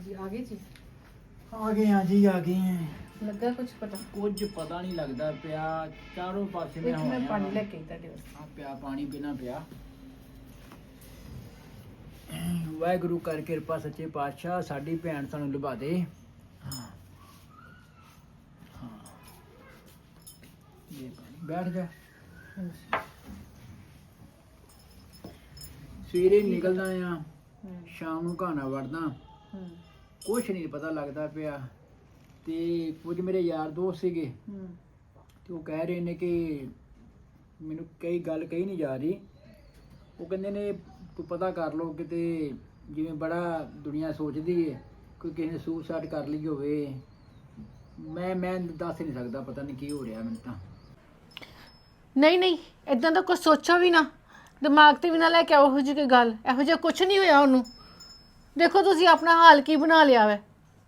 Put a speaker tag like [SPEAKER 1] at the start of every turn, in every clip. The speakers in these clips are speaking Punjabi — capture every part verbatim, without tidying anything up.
[SPEAKER 1] जी आ गए जी
[SPEAKER 2] ਆ ਗਏ ਹਾਂ ਜੀ ਆ ਗਏ ਹਾਂ
[SPEAKER 1] लगा कुछ पता
[SPEAKER 2] ਕੁਝ ਪਤਾ ਨਹੀਂ ਲੱਗਦਾ ਪਿਆ ਚਾਰੋਂ ਪਾਸੇ ਮੈਂ
[SPEAKER 1] एक मैं
[SPEAKER 2] ਹੋਇਆ
[SPEAKER 1] पानी लेके आई ਤੁਹਾਡੇ ਵਾਸਤੇ
[SPEAKER 2] ਆ ਪਿਆ ਪਾਣੀ ਪੀਣਾ ਪਿਆ ਵਾਹਿਗੁਰੂ ਕਰ ਕਿਰਪਾ ਸੱਚੇ ਪਾਤਸ਼ਾਹ ਸਾਡੀ ਭੈਣ ਸਾਨੂੰ ਲੁਭਾ ਦੇ ਹਾਂ ਹਾਂ ਇਹ ਪਾਣੀ ਬੈਠ ਜਾ ਸਵੇਰੇ ਨਿਕਲਦਾ ਆ ਸ਼ਾਮ ਨੂੰ ਘਾਣਾ ਵੜਦਾ
[SPEAKER 1] ਹੂੰ
[SPEAKER 2] ਕੁਛ ਨਹੀਂ ਪਤਾ ਲੱਗਦਾ ਪਿਆ ਤੇ ਕੁਝ ਮੇਰੇ ਯਾਰ ਦੋਸਤ ਸੀਗੇ
[SPEAKER 1] ਹੂੰ
[SPEAKER 2] ਤੇ ਉਹ ਕਹਿ ਰਹੇ ਨੇ ਕਿ ਮੈਨੂੰ ਕਈ ਗੱਲ ਕਹੀ ਨਹੀਂ ਜਾ ਰਹੀ ਉਹ ਕਹਿੰਦੇ ਨੇ ਤੂੰ ਪਤਾ ਕਰ ਲਓ ਕਿਤੇ ਜਿਵੇਂ ਬੜਾ ਦੁਨੀਆ ਸੋਚਦੀ ਹੈ ਕੋਈ ਕਿਸੇ ਨੇ ਸੁਸਾਈਡ ਕਰ ਲਈ ਹੋਵੇ ਮੈਂ ਮੈਂ ਦੱਸ ਨਹੀਂ ਸਕਦਾ ਪਤਾ ਨਹੀਂ ਕੀ ਹੋ ਰਿਹਾ ਮੈਨੂੰ ਤਾਂ
[SPEAKER 3] ਨਹੀਂ ਨਹੀਂ ਇਦਾਂ ਦਾ ਕੁਝ ਸੋਚੋ ਵੀ ਨਾ ਦਿਮਾਗ ਤੇ ਵੀ ਨਾ ਲੈ ਕੇ ਆਓ ਇਹੋ ਜਿਹੀ ਕੋਈ ਗੱਲ ਇਹੋ ਜਿਹਾ ਕੁਝ ਨਹੀਂ ਹੋਇਆ ਉਹਨੂੰ ਦੇਖੋ ਤੁਸੀਂ ਆਪਣਾ ਹਾਲ ਕੀ ਬਣਾ ਲਿਆ ਵੈ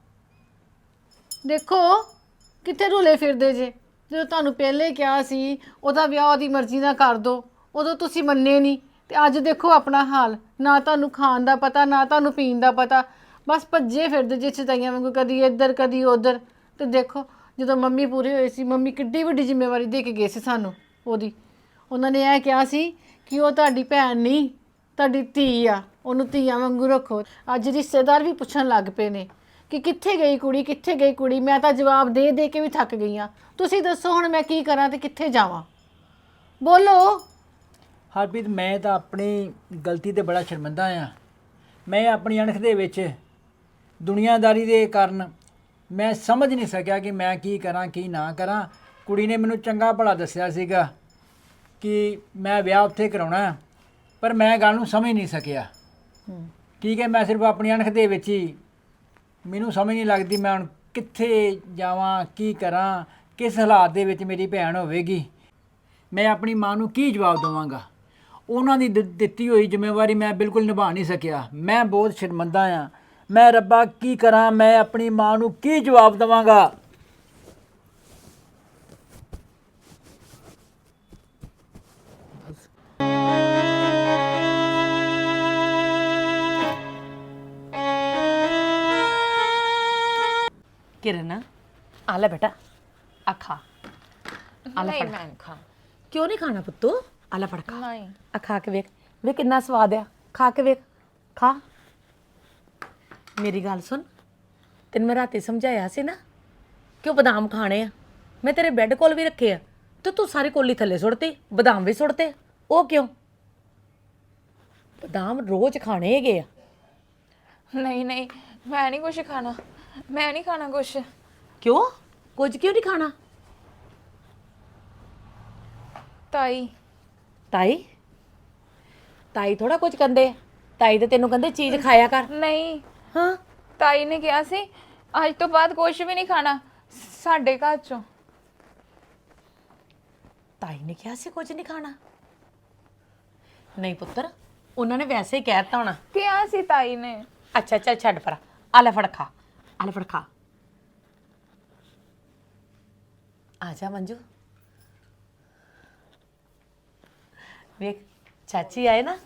[SPEAKER 3] ਦੇਖੋ ਕਿੱਥੇ ਰੁਲੇ ਫਿਰਦੇ ਜੇ ਜਦੋਂ ਤੁਹਾਨੂੰ ਪਹਿਲੇ ਕਿਹਾ ਸੀ ਉਹਦਾ ਵਿਆਹ ਉਹਦੀ ਮਰਜ਼ੀ ਨਾਲ ਕਰ ਦੋ ਉਦੋਂ ਤੁਸੀਂ ਮੰਨੇ ਨਹੀਂ ਤੇ ਅੱਜ ਦੇਖੋ ਆਪਣਾ ਹਾਲ ਨਾ ਤੁਹਾਨੂੰ ਖਾਣ ਦਾ ਪਤਾ ਨਾ ਤੁਹਾਨੂੰ ਪੀਣ ਦਾ ਪਤਾ ਬਸ ਭੱਜੇ ਫਿਰਦੇ ਜੇ ਚਤਾਈਆਂ ਵਾਂਗੂ ਕਦੀ ਇੱਧਰ ਕਦੀ ਉੱਧਰ ਤੇ ਦੇਖੋ ਜਦੋਂ ਮੰਮੀ ਪੂਰੇ ਹੋਏ ਸੀ ਮੰਮੀ ਕਿੱਡੀ ਵੱਡੀ ਜ਼ਿੰਮੇਵਾਰੀ ਦੇ ਕੇ ਗਏ ਸੀ ਸਾਨੂੰ ਉਹਦੀ ਉਹਨਾਂ ਨੇ ਇਹ ਕਿਹਾ ਸੀ ਕਿ ਉਹ ਤੁਹਾਡੀ ਭੈਣ ਨਹੀਂ ਤੁਹਾਡੀ ਧੀ ਆ ਉਹਨੂੰ ਧੀਆਂ ਵਾਂਗੂ ਰੱਖੋ ਅੱਜ ਰਿਸ਼ਤੇਦਾਰ ਵੀ ਪੁੱਛਣ ਲੱਗ ਪਏ ਨੇ ਕਿ ਕਿੱਥੇ ਗਈ ਕੁੜੀ ਕਿੱਥੇ ਗਈ ਕੁੜੀ ਮੈਂ ਤਾਂ ਜਵਾਬ ਦੇ ਦੇ ਕੇ ਵੀ ਥੱਕ ਗਈ ਆ ਤੁਸੀਂ ਦੱਸੋ ਹੁਣ ਮੈਂ ਕੀ ਕਰਾਂ ਤੇ ਕਿੱਥੇ ਜਾਵਾਂ ਬੋਲੋ
[SPEAKER 2] ਹਰਪ੍ਰੀਤ ਮੈਂ ਤਾਂ ਆਪਣੀ ਗਲਤੀ ਤੇ ਬੜਾ ਸ਼ਰਮਿੰਦਾ ਆ ਮੈਂ ਆਪਣੀ ਅਣਖ ਦੇ ਵਿੱਚ ਦੁਨੀਆਦਾਰੀ ਦੇ ਕਾਰਨ ਮੈਂ ਸਮਝ ਨਹੀਂ ਸਕਿਆ ਕਿ ਮੈਂ ਕੀ ਕਰਾਂ ਕੀ ਨਾ ਕਰਾਂ ਕੁੜੀ ਨੇ ਮੈਨੂੰ ਚੰਗਾ ਭਲਾ ਦੱਸਿਆ ਸੀਗਾ ਕਿ ਮੈਂ ਵਿਆਹ ਉੱਥੇ ਕਰਾਉਣਾ ਪਰ ਮੈਂ ਗੱਲ ਨੂੰ ਸਮਝ ਨਹੀਂ ਸਕਿਆ ਠੀਕ ਹੈ ਮੈਂ ਸਿਰਫ ਆਪਣੀ ਅਣਖ ਦੇ ਵਿੱਚ ਹੀ ਮੈਨੂੰ ਸਮਝ ਨਹੀਂ ਲੱਗਦੀ ਮੈਂ ਹੁਣ ਕਿੱਥੇ ਜਾਵਾਂ ਕੀ ਕਰਾਂ ਕਿਸ ਹਾਲਾਤ ਦੇ ਵਿੱਚ ਮੇਰੀ ਭੈਣ ਹੋਵੇਗੀ ਮੈਂ ਆਪਣੀ ਮਾਂ ਨੂੰ ਕੀ ਜਵਾਬ ਦੇਵਾਂਗਾ ਉਹਨਾਂ ਦੀ ਦਿ- ਦਿੱਤੀ ਹੋਈ ਜ਼ਿੰਮੇਵਾਰੀ ਮੈਂ ਬਿਲਕੁਲ ਨਿਭਾ ਨਹੀਂ ਸਕਿਆ ਮੈਂ ਬਹੁਤ ਸ਼ਰਮਿੰਦਾ ਆ ਮੈਂ ਰੱਬਾ ਕੀ ਕਰਾਂ ਮੈਂ ਆਪਣੀ ਮਾਂ ਨੂੰ ਕੀ ਜਵਾਬ ਦੇਵਾਂਗਾ
[SPEAKER 3] किरण आ ले बेटा आ खा आ ले
[SPEAKER 4] नहीं
[SPEAKER 3] फड़
[SPEAKER 4] मैं नहीं खा
[SPEAKER 3] क्यों नहीं खाना पुत्तू आ ले फड़ खा
[SPEAKER 4] नहीं
[SPEAKER 3] आ खा के वेख वे कितना स्वाद है खा के वेख खा मेरी गल सुन तेन मैं राती समझाया सी ना कि बादाम खाने आ मैं तेरे बैड कोल भी रखे आ तो तू सारी कोली थले सुटती बादाम भी सुटते ओ क्यों बादाम रोज खाने है गए
[SPEAKER 4] नहीं नहीं मैं नहीं कुछ खाना मैं नहीं खाना कुछ
[SPEAKER 3] क्यों कुछ क्यों नहीं खाना
[SPEAKER 4] ताई
[SPEAKER 3] ताई ताई थोड़ा कुछ कहते ताई तो तेनों कहते चीज खाया कर
[SPEAKER 4] नहीं
[SPEAKER 3] हाँ
[SPEAKER 4] ताई ने कहा सी आज तो बाद कुछ भी नहीं खाना साडे घर चों
[SPEAKER 3] ताई ने क्या से कुछ नहीं खाना नहीं पुत्र उन्होंने वैसे ही कहता होना
[SPEAKER 4] कहा सी ताई ने
[SPEAKER 3] अच्छा चल छड़ पर आले फड़ खा आले फड़ खा आजा मंजू देख चाची आए ना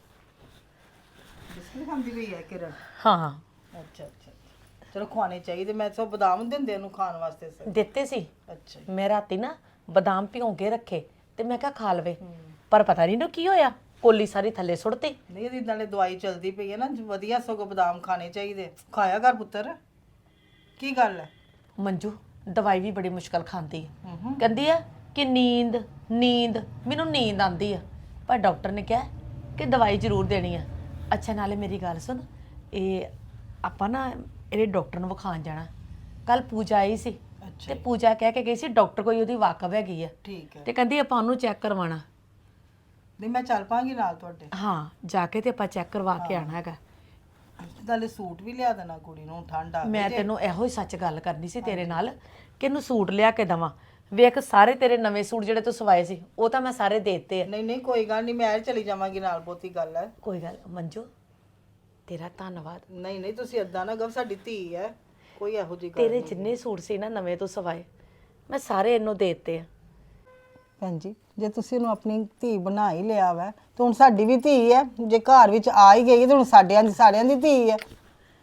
[SPEAKER 1] ਬਿਸਕੁਟ ਖਾਂਦੀ ਪਈ ਹੈ ਕਿਰਨ
[SPEAKER 3] हाँ हाँ
[SPEAKER 1] ਅੱਛਾ ਅੱਛਾ ਚਲੋ ਖਵਾਣੇ ਚਾਹੀਦੇ ਮੈਂ ਸੋ ਬਦਾਮ ਦਿੰਦੇ ਉਹਨੂੰ ਖਾਣ ਵਾਸਤੇ ਸਰ
[SPEAKER 3] देते सी
[SPEAKER 1] ਅੱਛਾ
[SPEAKER 3] मैं राती ना बादाम भिगो के रखे ते मैं क्या खा लवे पर पता नहीं ना की होया कोली सारी थले सुटती
[SPEAKER 1] ਨਹੀਂ ਇਹਦੀ ਨਾਲੇ ਦਵਾਈ ਚਲਦੀ ਪਈ ਹੈ ਨਾ ਵਧੀਆ ਸਗੋਂ ਬਦਾਮ ਖਾਣੇ ਚਾਹੀਦੇ ਖਾਇਆ ਕਰ ਪੁੱਤਰ ਕੀ ਗੱਲ ਹੈ
[SPEAKER 3] मंजू दवाई भी बड़ी मुश्किल खाती है कहती है कि नींद नींद मैनू नींद आती है पर डॉक्टर ने कहा कि दवाई जरूर देनी है अच्छा नाले मेरी गल सुन ये आपां ना ये डॉक्टर ਨੂੰ ਵਿਖਾਣ ਜਾਣਾ ਕੱਲ ਪੂਜਾ ਆਈ ਸੀ ਤੇ ਪੂਜਾ ਕਹਿ ਕੇ ਗਈ ਸੀ ਡਾਕਟਰ ਕੋਈ ਉਹਦੀ ਵਾਕਫ ਹੈਗੀ ਆ
[SPEAKER 1] ਠੀਕ ਹੈ
[SPEAKER 3] ਤੇ ਕਹਿੰਦੀ ਆਪਾਂ ਉਹਨੂੰ ਚੈੱਕ ਕਰਵਾਉਣਾ
[SPEAKER 1] ਨਹੀਂ ਮੈਂ ਚੱਲ ਪਾਂਗੀ ਨਾਲ ਤੁਹਾਡੇ
[SPEAKER 3] ਹਾਂ ਜਾ ਕੇ ਤੇ ਆਪਾਂ ਚੈੱਕ ਕਰਵਾ ਕੇ ਆਣਾ ਹੈਗਾ
[SPEAKER 1] ਨਾਲੇ ਸੂਟ ਵੀ ਲਿਆ ਦੇਣਾ ਕੁੜੀ ਨੂੰ ਠੰਡ ਆ
[SPEAKER 3] ਮੈਂ ਤੈਨੂੰ ਇਹੋ ਹੀ ਸੱਚ ਗੱਲ ਕਰਨੀ ਸੀ ਤੇਰੇ ਨਾਲ ਕਿ ਇਹਨੂੰ ਸੂਟ ਲਿਆ ਕੇ ਦਵਾਂ ਵੇਖ ਸਾਰੇ ਤੇਰੇ ਨਵੇਂ ਸੂਟ ਜਿਹੜੇ ਤੂੰ ਸਵਾਏ ਸੀ ਉਹ ਤਾਂ ਮੈਂ ਸਾਰੇ ਦੇ ਦਿੱਤੇ ਆ
[SPEAKER 1] ਨਹੀਂ ਨਹੀਂ ਕੋਈ ਗੱਲ ਨਹੀਂ ਮੈਂ ਚਲੀ ਜਾਵਾਂਗੀ ਨਾਲ ਬਹੁਤੀ ਗੱਲ ਹੈ
[SPEAKER 3] ਕੋਈ ਗੱਲ ਮੰਜੂ ਤੇਰਾ ਧੰਨਵਾਦ
[SPEAKER 1] ਨਹੀਂ ਨਹੀਂ ਤੁਸੀਂ ਏਦਾਂ ਨਾ ਗਵ ਸਾਡੀ ਧੀ ਹੈ ਕੋਈ ਇਹੋ ਜਿਹੀ ਗੱਲ
[SPEAKER 3] ਤੇਰੇ ਜਿੰਨੇ ਸੂਟ ਸੀ ਨਾ ਨਵੇਂ ਤੂੰ ਸਵਾਏ ਮੈਂ ਸਾਰੇ ਇਹਨੂੰ ਦੇ ਦਿੱਤੇ ਆ
[SPEAKER 1] ਭੈਣ ਜੀ ਜੇ ਤੁਸੀਂ ਉਹਨੂੰ ਆਪਣੀ ਧੀ ਬਣਾ ਹੀ ਲਿਆ ਵਾ ਤੇ ਹੁਣ ਸਾਡੀ ਵੀ ਧੀ ਹੈ ਜੇ ਘਰ ਵਿੱਚ ਆ ਹੀ ਗਈ ਤੇ ਹੁਣ ਸਾਡਿਆਂ ਦੀ ਸਾਰਿਆਂ ਦੀ ਧੀ ਹੈ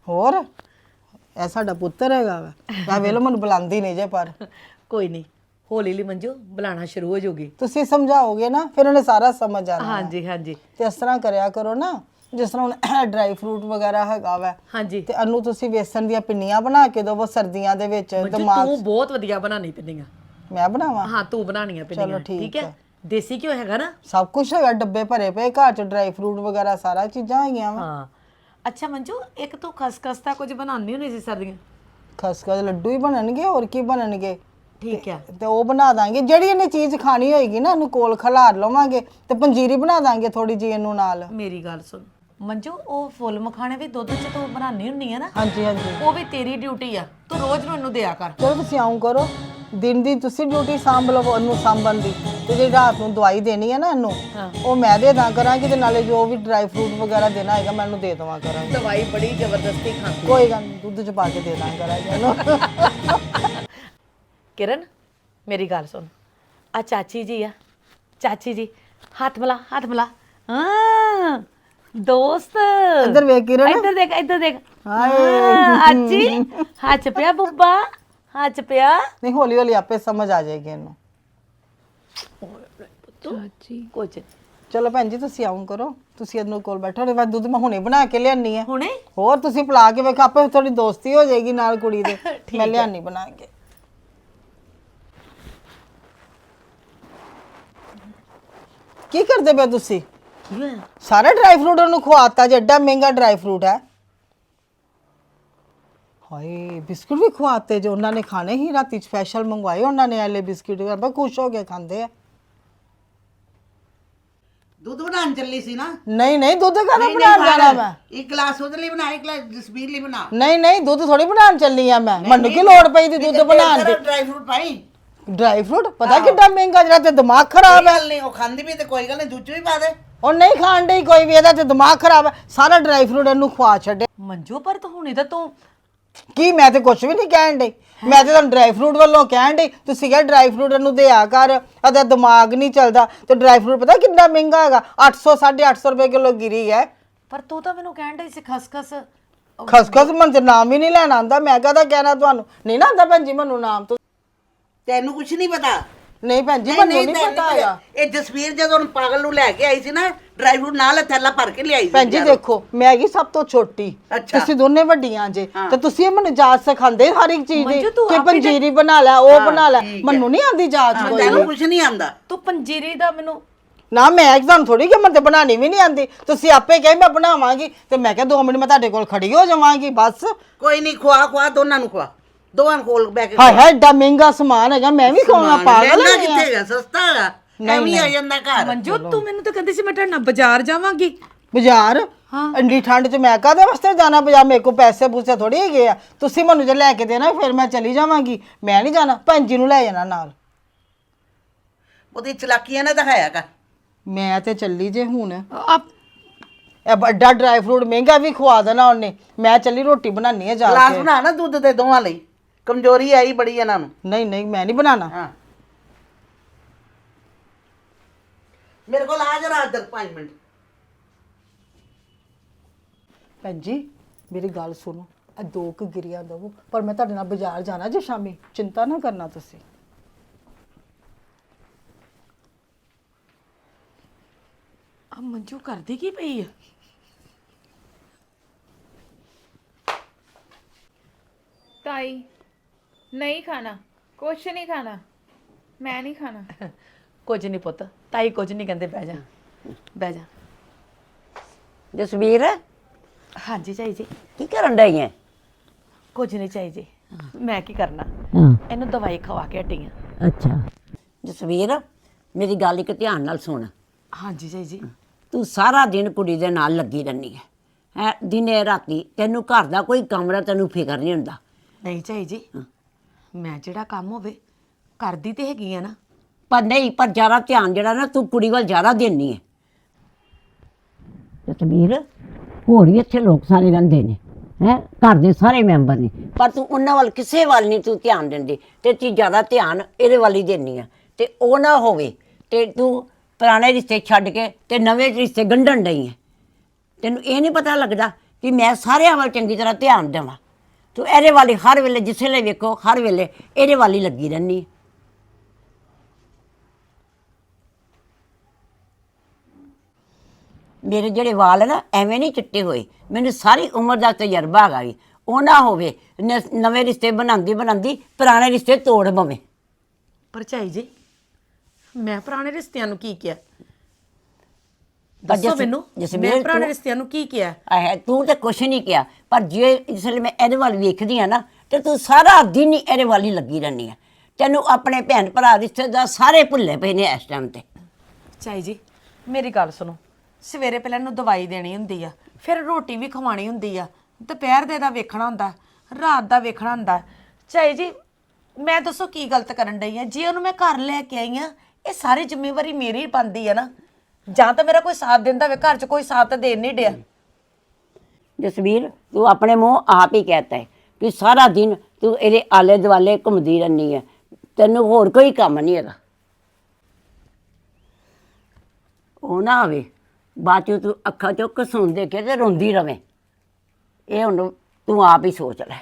[SPEAKER 1] ਹੋਰ ਇਹ ਸਾਡਾ ਪੁੱਤਰ ਹੈਗਾ ਵਾ ਮੈਂ ਵੇਲੋ ਮੈਨੂੰ ਬੁਲਾਉਂਦੀ ਨਹੀਂ ਜੇ ਪਰ
[SPEAKER 5] ਕੋਈ ਨਹੀਂ ਹੌਲੀ ਹੌਲੀ ਮੰਜੂ ਬੁਲਾਣਾ ਸ਼ੁਰੂ ਹੋ ਜਾਊਗੀ।
[SPEAKER 1] ਤੁਸੀਂ ਸਮਝਾਓਗੇ ਨਾ ਫਿਰ ਉਹਨੇ ਸਾਰਾ ਸਮਝ ਆਣਾ
[SPEAKER 5] ਹਾਂਜੀ ਹਾਂਜੀ
[SPEAKER 1] ਤੇ ਇਸ ਤਰ੍ਹਾਂ ਕਰਿਆ ਕਰੋ ਨਾ ਜਿਸ ਤਰ੍ਹਾਂ ਹੁਣ ਡਰਾਈ ਫਰੂਟ ਵਗੈਰਾ ਹੈਗਾ ਵਾ
[SPEAKER 5] ਹਾਂਜੀ
[SPEAKER 1] ਤੇ ਅਨੂ ਤੁਸੀਂ ਵੇਸਣ ਦੀਆਂ ਪਿੰਨੀਆਂ ਬਣਾ ਕੇ ਦਿਓ ਸਰਦੀਆਂ ਦੇ ਵਿੱਚ
[SPEAKER 5] ਮੰਜੂ
[SPEAKER 1] ਦਿਮਾਗ
[SPEAKER 5] ਤੂੰ ਬਹੁਤ ਵਧੀਆ ਬਣਾਣੀ ਪਿੰਨੀਆਂ।
[SPEAKER 1] ਮੈਂ ਬਣਾਵਾਂ
[SPEAKER 5] ਹਾਂ ਤੂੰ ਬਣਾਣੀਆਂ ਪਿੰਨੀਆਂ
[SPEAKER 1] ਠੀਕ
[SPEAKER 5] ਠੀਕ ਹੈ
[SPEAKER 1] ਹੈ।
[SPEAKER 5] ਦੇਸੀ ਘਿਓ ਹੈਗਾ ਨਾ?
[SPEAKER 1] ਸਭ ਕੁਝ ਹੈਗਾ ਡੱਬੇ ਭਰੇ ਪਏ ਘਰ ਚ ਡਰਾਈ ਫਰੂਟ ਵਗੈਰਾ ਸਾਰਾ ਚੀਜ਼ਾਂ ਹੈਗੀਆਂ ਵਾ
[SPEAKER 5] ਹਾਂ ਅੱਛਾ ਮੰਜੂ ਇੱਕ ਤੂੰ ਖਸਖਸ ਦਾ ਕੁਝ ਬਣਾਉਂਦੀ ਹੁੰਦੀ ਸੀ ਸਰਦੀਆਂ?
[SPEAKER 1] ਖਸਖਸ ਲੱਡੂ ਹੀ ਬਣਨਗੇ ਹੋਰ ਕੀ ਬਣਨਗੇ
[SPEAKER 5] ਠੀਕ ਹੈ
[SPEAKER 1] ਤੇ ਉਹ ਬਣਾ ਦਾਂਗੇ ਜਿਹੜੀ ਇਹਨੇ ਚੀਜ਼ ਖਾਣੀ ਹੋਏਗੀ ਨਾ ਇਹਨੂੰ ਕੋਲ ਖਿਲਾਰ ਲਵਾਂਗੇ ਤੇ ਪੰਜੀਰੀ ਬਣਾ ਦਾਂਗੇ ਥੋੜੀ ਜਿਹੀ ਇਹਨੂੰ ਨਾਲ
[SPEAKER 5] ਮੇਰੀ ਗੱਲ ਸੁਣ ਮੰਜੂ ਉਹ ਫੁੱਲ ਮਖਾਣੇ ਵੀ ਦੁੱਧ 'ਚ ਤੂੰ ਬਣਾਉਣੀ ਹੁੰਦੀ ਹੈ ਨਾ
[SPEAKER 1] ਹਾਂਜੀ ਹਾਂਜੀ
[SPEAKER 5] ਉਹ ਵੀ ਤੇਰੀ ਡਿਊਟੀ ਆ ਤੂੰ ਰੋਜ਼ ਨੂੰ ਇਹਨੂੰ ਦਿਆ ਕਰ।
[SPEAKER 1] ਚਲੋ ਤੁਸੀਂ ਆਉਂ ਕਰੋ ਦਿਨ ਦੀ ਤੁਸੀਂ ਡਿਊਟੀ ਸਾਂਭ ਲਵੋ ਉਹਨੂੰ ਸਾਂਭਣ ਦੀ ਤੇ ਜਿਹੜੀ ਰਾਤ ਨੂੰ ਦਵਾਈ ਦੇਣੀ ਹੈ ਨਾ ਇਹਨੂੰ ਉਹ ਮੈਂ ਦੇ ਦਾਂ ਕਰਾਂਗੀ ਤੇ ਨਾਲੇ ਜੋ ਵੀ ਡਰਾਈ ਫਰੂਟ ਵਗੈਰਾ ਦੇਣਾ ਹੈਗਾ ਮੈਂ ਇਹਨੂੰ ਦੇ ਦੇਵਾਂ ਕਰਾਂਗੀ।
[SPEAKER 5] ਦਵਾਈ ਬੜੀ ਜ਼ਬਰਦਸਤੀ ਖਾਂਦੀ।
[SPEAKER 1] ਕੋਈ ਗੱਲ ਨਹੀਂ ਦੁੱਧ ਚ ਪਾ ਕੇ ਦੇ ਦਾਂ ਕਰਾਂਗੀ ਇਹਨੂੰ
[SPEAKER 5] ਕਿਰਨ ਮੇਰੀ ਗੱਲ ਸੁਣ ਆ ਚਾਚੀ ਜੀ ਆ ਚਾਚੀ ਜੀ ਹੱਥ ਮਿਲਾ ਹੱਥ ਮਿਲਾ ਹਾਂ ਦੋਸਤ
[SPEAKER 1] ਇੱਧਰ ਵੇਖ ਕਿਰਨ
[SPEAKER 5] ਇੱਧਰ ਦੇਖ ਇੱਧਰ ਦੇਖ ਹਾਂ ਅੱਜੀ ਹੱਥ ਪਿਆ ਬੁੱਬਾ ਹੱਥ ਪਿਆ
[SPEAKER 1] ਨਹੀਂ ਹੌਲੀ ਹੌਲੀ ਆਪੇ ਸਮਝ ਆ ਜਾਏਗੀ ਇਹਨੂੰ
[SPEAKER 5] ਚਾਚੀ ਕੁਝ
[SPEAKER 1] ਚਲੋ ਭੈਣ ਜੀ ਤੁਸੀਂ ਆਉਂ ਕਰੋ ਤੁਸੀਂ ਇਹਨੂੰ ਕੋਲ ਬੈਠੋ ਉਹਦੇ ਬਾਅਦ ਦੁੱਧ ਮੈਂ ਹੁਣੇ ਬਣਾ ਕੇ ਲਿਆਨੀ ਹੈ
[SPEAKER 5] ਹੁਣੇ
[SPEAKER 1] ਹੋਰ ਤੁਸੀਂ ਪਿਲਾ ਕੇ ਵੇਖ ਆਪੇ ਥੋੜੀ ਦੋਸਤੀ ਹੋ ਜਾਏਗੀ ਨਾਲ ਕੁੜੀ ਦੇ ਮੈਂ ਲਿਆਨੀ ਬਣਾ ਕੇ ਕੀ ਕਰਦੇ ਪਏ ਤੁਸੀਂ
[SPEAKER 5] ਕੀ ਹੋਇਆ
[SPEAKER 1] ਸਾਰਾ ਡਰਾਈ ਫਰੂਟ ਉਹਨੂੰ ਖਵਾਤਾ ਜੇ ਐਡਾ ਮਹਿੰਗਾ ਡਰਾਈ ਫਰੂਟ ਹੈ ਹਾਏ ਬਿਸਕੁਟ ਵੀ ਖਵਾਤੇ ਜੋ ਉਹਨਾਂ ਨੇ ਖਾਣੇ ਹੀ ਰਾਤੀ ਸਪੈਸ਼ਲ ਮੰਗਵਾਏ ਉਹਨਾਂ ਨੇ ਐਲੇ ਬਿਸਕੁਟ ਬੜਾ ਖੁਸ਼ ਹੋ ਕੇ ਖਾਂਦੇ ਆ
[SPEAKER 6] ਦੁੱਧ ਬਣਾਉਣ ਚੱਲੀ ਸੀ ਨਾ
[SPEAKER 1] ਨਹੀਂ ਨਹੀਂ ਦੁੱਧ ਕਾਹਦਾ ਬਣਾਉਣ ਜਾਣਾ ਮੈਂ
[SPEAKER 6] ਇੱਕ ਗਲਾਸ ਉਹਦੇ ਲਈ ਬਣਾ ਇੱਕ ਗਲਾਸ ਜਸਬੀਰ ਲਈ ਬਣਾ
[SPEAKER 1] ਨਹੀਂ ਨਹੀਂ ਦੁੱਧ ਥੋੜੀ ਬਣਾਉਣ ਚੱਲੀ ਆ ਮੈਂ ਮੈਨੂੰ ਕੀ ਲੋੜ ਪਈ ਦੀ ਦੁੱਧ ਬਣਾਉਣ ਦੀ
[SPEAKER 6] ਡਰਾਈ ਫਰੂਟ ਪਾਈ
[SPEAKER 1] ਡਰਾਈ ਫਰੂਟ ਪਤਾ ਕਿੱਡਾ ਮਹਿੰਗਾ ਜਿਹੜਾ ਤੇ ਦਿਮਾਗ ਖਰਾਬ ਹੈ
[SPEAKER 6] ਗੱਲ ਨਹੀਂ ਉਹ ਖਾਂਦੀ ਵੀ ਤੇ ਕੋਈ ਗੱਲ ਨਹੀਂ ਦੁੱਧ ਵੀ ਪਾ ਦੇ
[SPEAKER 1] ਉਹ ਨਹੀਂ ਖਾਣ ਡਈ ਕੋਈ ਵੀ ਇਹਦਾ ਤੇ ਦਿਮਾਗ ਖਰਾਬ ਹੈ ਸਾਰਾ ਡਰਾਈ ਫਰੂਟ ਇਹਨੂੰ ਖਵਾ ਛੱਡੇ
[SPEAKER 5] ਮੰਜੂ ਪਰ ਤੂੰ ਹੁਣੇ ਤਾਂ ਤੂੰ
[SPEAKER 1] ਕੀ ਮੈਂ ਤੇ ਕੁਝ ਵੀ ਨਹੀਂ ਕਹਿਣ ਡਈ ਮੈਂ ਤੇ ਤੁਹਾਨੂੰ ਡਰਾਈ ਫਰੂਟ ਵੱਲੋਂ ਕਹਿਣ ਡਈ ਤੁਸੀਂ ਕਿਹਾ ਡਰਾਈ ਫਰੂਟ ਇਹਨੂੰ ਦਿਆ ਕਰ ਇਹਦਾ ਦਿਮਾਗ ਨਹੀਂ ਚੱਲਦਾ ਤੇ ਡਰਾਈ ਫਰੂਟ ਪਤਾ ਕਿੰਨਾ ਮਹਿੰਗਾ ਹੈਗਾ ਅੱਠ ਸੌ ਸਾਢੇ ਅੱਠ ਸੌ ਰੁਪਏ ਕਿਲੋ ਗਿਰੀ ਹੈ
[SPEAKER 5] ਪਰ ਤੂੰ ਤਾਂ ਮੈਨੂੰ ਕਹਿਣ ਡਈ ਸੀ ਖਸਖਸ
[SPEAKER 1] ਖਸਖਸ ਮਨ ਤੇ ਨਾਮ ਹੀ ਨਹੀਂ ਲੈਣਾ ਆਉਂਦਾ ਮੈਂ ਕਹਦਾ ਕਹਿਣਾ ਤੁਹਾਨੂੰ ਨਹੀਂ ਨਾ ਆਉਂਦਾ ਭੈਣ ਜੀ ਮੈਨੂੰ ਨਾਮ ਤੋਂ
[SPEAKER 6] ਤੈਨੂੰ ਕੁਝ ਨਹੀਂ ਪਤਾ
[SPEAKER 1] ਨਹੀਂ ਭੈਣ ਜੀ
[SPEAKER 6] ਨਹੀਂ
[SPEAKER 1] ਮੈਨੂੰ
[SPEAKER 6] ਨਹੀਂ
[SPEAKER 1] ਨਹੀਂ
[SPEAKER 6] ਤੈਨੂੰ
[SPEAKER 1] ਪਤਾ ਹੈਗਾ
[SPEAKER 6] ਇਹ ਜਸਬੀਰ ਜਦੋਂ ਉਹਨੂੰ ਪਾਗਲ ਨੂੰ ਲੈ ਕੇ ਆਈ ਸੀ ਨਾ ਡਰਾਈ ਫਰੂਟ ਨਾਲ ਥੈਲਾ ਭਰ ਕੇ ਲਿਆਈ ਸੀ
[SPEAKER 1] ਭੈਣ ਜੀ
[SPEAKER 6] ਬਜ਼ਾਰੋਂ।
[SPEAKER 1] ਦੇਖੋ ਮੈਂ ਹੈਗੀ ਸਭ ਤੋਂ ਛੋਟੀ
[SPEAKER 6] ਅੱਛਾ।
[SPEAKER 1] ਤੁਸੀਂ ਦੋਨੇ ਵੱਡੀਆਂ ਜੇ ਤੇ ਤੁਸੀਂ ਇਹ ਮੈਨੂੰ ਜਾਚ ਸਿਖਾਉਂਦੇ ਹਰ ਇੱਕ ਚੀਜ਼ ਦੀ
[SPEAKER 5] ਮੰਜੂ, ਤੂੰ
[SPEAKER 1] ਕਿ
[SPEAKER 5] ਆਪੇ ਤੇ-
[SPEAKER 1] ਪੰਜੀਰੀ ਬਣਾ ਲੈ ਉਹ ਬਣਾ ਲੈ
[SPEAKER 6] ਠੀਕ ਹੈ।
[SPEAKER 1] ਮੈਨੂੰ ਨਹੀਂ ਆਉਂਦੀ ਜਾਚ
[SPEAKER 6] ਹਾਂ,
[SPEAKER 1] ਕੋਈ
[SPEAKER 6] ਤੈਨੂੰ
[SPEAKER 1] ਵੀ।
[SPEAKER 6] ਕੁਝ ਨਹੀਂ ਆਂਦਾ
[SPEAKER 5] ਤੂੰ ਪੰਜੀਰੀ ਦਾ ਮੈਨੂੰ
[SPEAKER 1] ਨਾ ਮੈਂ ਐਗਜ਼ਾਮ ਥੋੜੀ ਕਿ ਮੈਨੂੰ ਤੇ ਬਣਾਣੀ ਵੀ ਨਹੀਂ ਆਉਂਦੀ ਤੁਸੀਂ ਆਪੇ ਕਹੇ ਮੈਂ ਬਣਾਵਾਂਗੀ ਤੇ ਮੈਂ ਕਿਹਾ ਦੋ ਮਿੰਟ ਮੈਂ ਤੁਹਾਡੇ ਕੋਲ ਖੜੀ ਹੋ ਜਾਵਾਂਗੀ ਬਸ
[SPEAKER 6] ਕੋਈ ਨਹੀਂ ਖਵਾ ਖਵਾ ਦੋਨਾਂ ਨੂੰ ਖਵਾ ਦੋਵਾਂ ਨੂੰ ਕੋਲ ਬੈ ਕੇ
[SPEAKER 1] ਹਾਏ ਹਾਏ ਏਡਾ ਮਹਿੰਗਾ ਸਮਾਨ ਹੈਗਾ ਮੈਂ ਵੀ ਖਾਣਾ ਪਾਗਲ
[SPEAKER 6] ਮਹਿੰਗਾ
[SPEAKER 1] ਹਾਂ
[SPEAKER 6] ਕਿੱਥੇ ਹੈਗਾ ਸਸਤਾ ਹੈਗਾ ਐਵੇਂ ਆ ਜਾਂਦਾ ਘਰ
[SPEAKER 5] ਮੰਜੂ ਤੂੰ ਮੈਨੂੰ ਤਾਂ ਕਹਿੰਦੀ ਸੀ ਮੈਂ ਤੁਹਾਡੇ ਨਾਲ ਬਾਜ਼ਾਰ ਜਾਵਾਂਗੀ
[SPEAKER 1] ਬਾਜ਼ਾਰ ਇੰਨੀ ਠੰਡ 'ਚ ਮੈਂ ਕਾਹਦੇ ਵਾਸਤੇ ਜਾਣਾ ਬਾਜ਼ਾਰ ਮੇਰੇ ਕੋਲ ਪੈਸੇ ਪੂਸੇ ਥੋੜੀ ਹੈਗੇ ਆ ਤੁਸੀਂ ਮੈਨੂੰ ਜੇ ਲੈ ਕੇ ਦੇਣਾ ਫਿਰ ਮੈਂ ਚਲੀ ਜਾਵਾਂਗੀ ਮੈਂ ਨਹੀਂ ਜਾਣਾ ਭੈਣ ਜੀ ਨੂੰ ਲੈ ਜਾਣਾ ਨਾਲ
[SPEAKER 6] ਉਹਦੀ ਚਲਾਕੀਆਂ ਨਾ ਦਿਖਾਇਆ ਕਰ
[SPEAKER 1] ਮੈਂ ਤੇ ਚੱਲੀ ਜੇ ਹੁਣ
[SPEAKER 5] ਆਪ
[SPEAKER 1] ਇਹ ਵੱਡਾ ਡਰਾਈ ਫਰੂਟ ਮਹਿੰਗਾ ਵੀ ਖਵਾ ਦੇਣਾ ਉਹਨੇ ਮੈਂ ਚੱਲੀ ਰੋਟੀ ਬਣਾਉਣੀ ਹੈ ਜਾ
[SPEAKER 6] ਗਲਾਸ
[SPEAKER 1] ਕੇ
[SPEAKER 6] ਬਣਾ ਨਾ ਦੁੱਧ ਦੇ ਦੋਵਾਂ ਲਈ ਕਮਜ਼ੋਰੀ ਆਈ ਬੜੀ ਇਹਨਾਂ ਨੂੰ
[SPEAKER 1] ਨਹੀਂ ਨਹੀਂ ਮੈਂ ਨਹੀਂ ਬਣਾਉਣਾ
[SPEAKER 6] ਹਾਂ ਮੇਰੇ ਕੋਲ ਆ ਜਰਾ ਇੱਧਰ ਪੰਜ ਮਿੰਟ
[SPEAKER 1] ਭੈਣ ਜੀ ਮੇਰੀ ਗੱਲ ਸੁਣੋ ਆ ਦੋ ਕੁ ਗਿਰੀਆਂ ਦਵੋ ਪਰ ਮੈਂ ਤੁਹਾਡੇ ਨਾਲ ਬਾਜ਼ਾਰ ਜਾਣਾ ਜੇ ਸ਼ਾਮੀ ਚਿੰਤਾ ਨਾ ਕਰਨਾ ਤੁਸੀਂ
[SPEAKER 5] ਆ ਮੰਜੂ ਕਰਦੀ ਕੀ ਪਈ ਆ
[SPEAKER 4] ਤਾਈ ਨਹੀਂ ਖਾਣਾ ਕੁਛ ਨਹੀਂ ਖਾਣਾ ਮੈਂ ਨਹੀਂ ਖਾਣਾ
[SPEAKER 5] ਕੁਝ ਨਹੀਂ ਪੁੱਤ ਤਾਈ ਕੁਝ ਨਹੀਂ ਕਹਿੰਦੇ ਬਹਿ ਜਾ ਬਹਿ ਜਾ
[SPEAKER 7] ਜਸਵੀਰ
[SPEAKER 5] ਹਾਂਜੀ ਚਾਈ ਜੀ
[SPEAKER 7] ਕੀ ਕਰਨ ਡਈ ਐ?
[SPEAKER 5] ਕੁਝ ਨਹੀਂ ਚਾਈ ਜੀ ਮੈਂ ਕੀ ਕਰਨਾ ਇਹਨੂੰ ਦਵਾਈ ਖਵਾ ਕੇ ਹਟੀ ਆ
[SPEAKER 7] ਅੱਛਾ ਜਸਵੀਰ ਮੇਰੀ ਗੱਲ ਇੱਕ ਧਿਆਨ ਨਾਲ ਸੁਣ
[SPEAKER 5] ਹਾਂਜੀ ਚਾਈ ਜੀ
[SPEAKER 7] ਤੂੰ ਸਾਰਾ ਦਿਨ ਕੁੜੀ ਦੇ ਨਾਲ ਲੱਗੀ ਰਹਿੰਦੀ ਹੈ ਹੈ ਦਿਨੇ ਰਾਤੀ ਤੈਨੂੰ ਘਰ ਦਾ ਕੋਈ ਕੰਮ ਦਾ ਤੈਨੂੰ ਫਿਕਰ ਨਹੀਂ ਹੁੰਦਾ
[SPEAKER 5] ਨਹੀਂ ਚਾਈ ਜੀ ਮੈਂ ਜਿਹੜਾ ਕੰਮ ਹੋਵੇ ਕਰਦੀ ਤੇ ਹੈਗੀ ਆ ਨਾ
[SPEAKER 7] ਪਰ ਨਹੀਂ ਪਰ ਜ਼ਿਆਦਾ ਧਿਆਨ ਜਿਹੜਾ ਨਾ ਤੂੰ ਕੁੜੀ ਵੱਲ ਜ਼ਿਆਦਾ ਦੇਣੀ ਹੈ ਜਸਵੀਰ ਹੋਰ ਵੀ ਇੱਥੇ ਲੋਕ ਸਾਰੇ ਰਹਿੰਦੇ ਨੇ ਹੈ ਘਰ ਦੇ ਸਾਰੇ ਮੈਂਬਰ ਨੇ ਪਰ ਤੂੰ ਉਹਨਾਂ ਵੱਲ ਕਿਸੇ ਵੱਲ ਨਹੀਂ ਤੂੰ ਧਿਆਨ ਦਿੰਦੀ ਤੇ ਤੂੰ ਜ਼ਿਆਦਾ ਧਿਆਨ ਇਹਦੇ ਵੱਲ ਹੀ ਦੇਣੀ ਆ ਤੇ ਉਹ ਨਾ ਹੋਵੇ ਤੇ ਤੂੰ ਪੁਰਾਣੇ ਰਿਸ਼ਤੇ ਛੱਡ ਕੇ ਤੇ ਨਵੇਂ ਰਿਸ਼ਤੇ ਗੰਢਣ ਡਈ ਹੈ ਤੈਨੂੰ ਇਹ ਨਹੀਂ ਪਤਾ ਲੱਗਦਾ ਕਿ ਮੈਂ ਸਾਰਿਆਂ ਵੱਲ ਚੰਗੀ ਤਰ੍ਹਾਂ ਧਿਆਨ ਦੇਵਾਂ। ਤੂੰ ਇਹਦੇ ਵਾਲੀ ਹਰ ਵੇਲੇ ਜਿਸ ਵੇਲੇ ਵੇਖੋ ਹਰ ਵੇਲੇ ਇਹਦੇ ਵਾਲੀ ਲੱਗੀ ਰਹਿੰਦੀ। ਮੇਰੇ ਜਿਹੜੇ ਵਾਲ ਨਾ ਐਵੇਂ ਨਹੀਂ ਚਿੱਟੇ ਹੋਏ, ਮੈਨੂੰ ਸਾਰੀ ਉਮਰ ਦਾ ਤਜਰਬਾ ਹੈਗਾ ਵੀ ਉਹ ਨਾ ਹੋਵੇ ਨ- ਨਵੇਂ ਰਿਸ਼ਤੇ ਬਣਾਉਂਦੀ ਬਣਾਉਂਦੀ ਪੁਰਾਣੇ ਰਿਸ਼ਤੇ ਤੋੜ ਪਵੇਂ।
[SPEAKER 5] ਭਰਜਾਈ ਜੀ ਮੈਂ ਪੁਰਾਣੇ ਰਿਸ਼ਤਿਆਂ ਨੂੰ ਕੀ ਕਿਹਾ?
[SPEAKER 7] ਪਰ
[SPEAKER 5] ਦੱਸੋ
[SPEAKER 7] ਜਸ-
[SPEAKER 5] ਮੈਨੂੰ,
[SPEAKER 7] ਜਸਮੀਤ
[SPEAKER 5] ਮੈਂ ਪੁਰਾਣੇ
[SPEAKER 7] ਤੂੰ-
[SPEAKER 5] ਰਿਸ਼ਤਿਆਂ ਨੂੰ ਕੀ ਕਿਹਾ?
[SPEAKER 7] ਆਹ ਤੂੰ ਤੇ ਕੁਛ ਨਹੀਂ ਕਿਹਾ, ਪਰ ਜੇ ਇਸ ਵੇਲੇ ਮੈਂ ਇਹਦੇ ਵੱਲ ਵੇਖਦੀ ਆ ਨਾ ਤੇ ਤੂੰ ਸਾਰਾ ਦਿਨ ਹੀ ਇਹਦੇ ਵੱਲ ਹੀ ਲੱਗੀ ਰਹਿੰਦੀ ਆ। ਤੈਨੂੰ ਆਪਣੇ ਭੈਣ ਭਰਾ ਰਿਸ਼ਤੇਦਾਰ ਸਾਰੇ ਭੁੱਲੇ ਪਏ ਨੇ ਇਸ ਟਾਈਮ ਤੇ।
[SPEAKER 5] ਚਾਈ ਜੀ ਮੇਰੀ ਗੱਲ ਸੁਣੋ, ਸਵੇਰੇ ਪਹਿਲਾਂ ਇਹਨੂੰ ਦਵਾਈ ਦੇਣੀ ਹੁੰਦੀ ਆ, ਫਿਰ ਰੋਟੀ ਵੀ ਖਵਾਣੀ ਹੁੰਦੀ ਆ, ਦੁਪਹਿਰ ਦੇ ਦਾ ਵੇਖਣਾ ਹੁੰਦਾ, ਰਾਤ ਦਾ ਵੇਖਣਾ ਹੁੰਦਾ। ਚਾਈ ਜੀ ਮੈਂ ਦੱਸੋ ਕੀ ਗਲਤ ਕਰਨ ਡਈ ਆ? ਜੇ ਉਹਨੂੰ ਮੈਂ ਘਰ ਲੈ ਕੇ ਆਈ ਆ, ਇਹ ਸਾਰੀ ਜ਼ਿੰਮੇਵਾਰੀ ਮੇਰੀ ਬਣਦੀ ਆ ਨਾ। ਜਾਂ ਤਾਂ ਮੇਰਾ ਕੋਈ ਸਾਥ ਦਿੰਦਾ ਹੋਵੇ, ਘਰ 'ਚ ਕੋਈ ਸਾਥ ਤਾਂ ਦੇਣ ਨਹੀਂ ਡਿਆ।
[SPEAKER 7] ਜਸਵੀਰ ਤੂੰ ਆਪਣੇ ਮੂੰਹ ਆਪ ਹੀ ਕਹਿਤਾ ਹੈ ਕਿ ਸਾਰਾ ਦਿਨ ਤੂੰ ਇਹਦੇ ਆਲੇ ਦੁਆਲੇ ਘੁੰਮਦੀ ਰਹਿੰਦੀ ਹੈ, ਤੈਨੂੰ ਹੋਰ ਕੋਈ ਕੰਮ ਨਹੀਂ ਹੈਗਾ। ਉਹ ਨਾ ਆਵੇ ਬਾਅਦ 'ਚੋਂ ਤੂੰ ਅੱਖਾਂ 'ਚੋਂ ਕਸੂਨ ਦੇ ਕੇ ਤੇ ਰੋਂਦੀ ਰਵੇਂ। ਇਹ ਹੁਣ ਤੂੰ ਆਪ ਹੀ ਸੋਚ ਲੈ।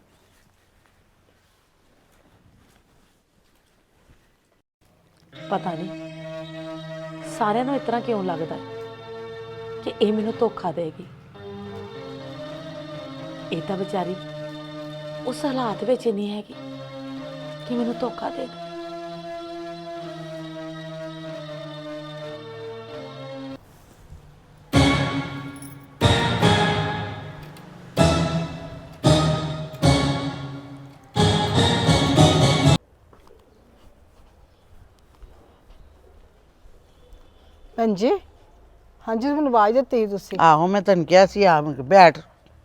[SPEAKER 5] ਪਤਾ ਨਹੀਂ ਸਾਰਿਆਂ ਨੂੰ ਇਸ ਤਰ੍ਹਾਂ ਕਿਉਂ ਲੱਗਦਾ ਕਿ ਇਹ ਮੈਨੂੰ ਧੋਖਾ ਦੇਗੀ। ਇਹ ਤਾਂ ਵਿਚਾਰੀ ਉਸ ਹਾਲਾਤ ਵਿੱਚ ਹੀ ਨਹੀਂ ਹੈਗੀ ਕਿ ਮੈਨੂੰ ਧੋਖਾ ਦੇ ਦੇ।
[SPEAKER 1] ਭੈਣ ਜੀ, ਹਾਂਜੀ ਮੈਨੂੰ ਆਵਾਜ਼ ਦਿੱਤੀ ਸੀ ਤੁਸੀਂ।
[SPEAKER 6] ਆਹੋ ਮੈਂ ਤੈਨੂੰ ਕਿਹਾ ਸੀ ਆ ਮੈਂ ਕਿਹਾ ਬੈਠ।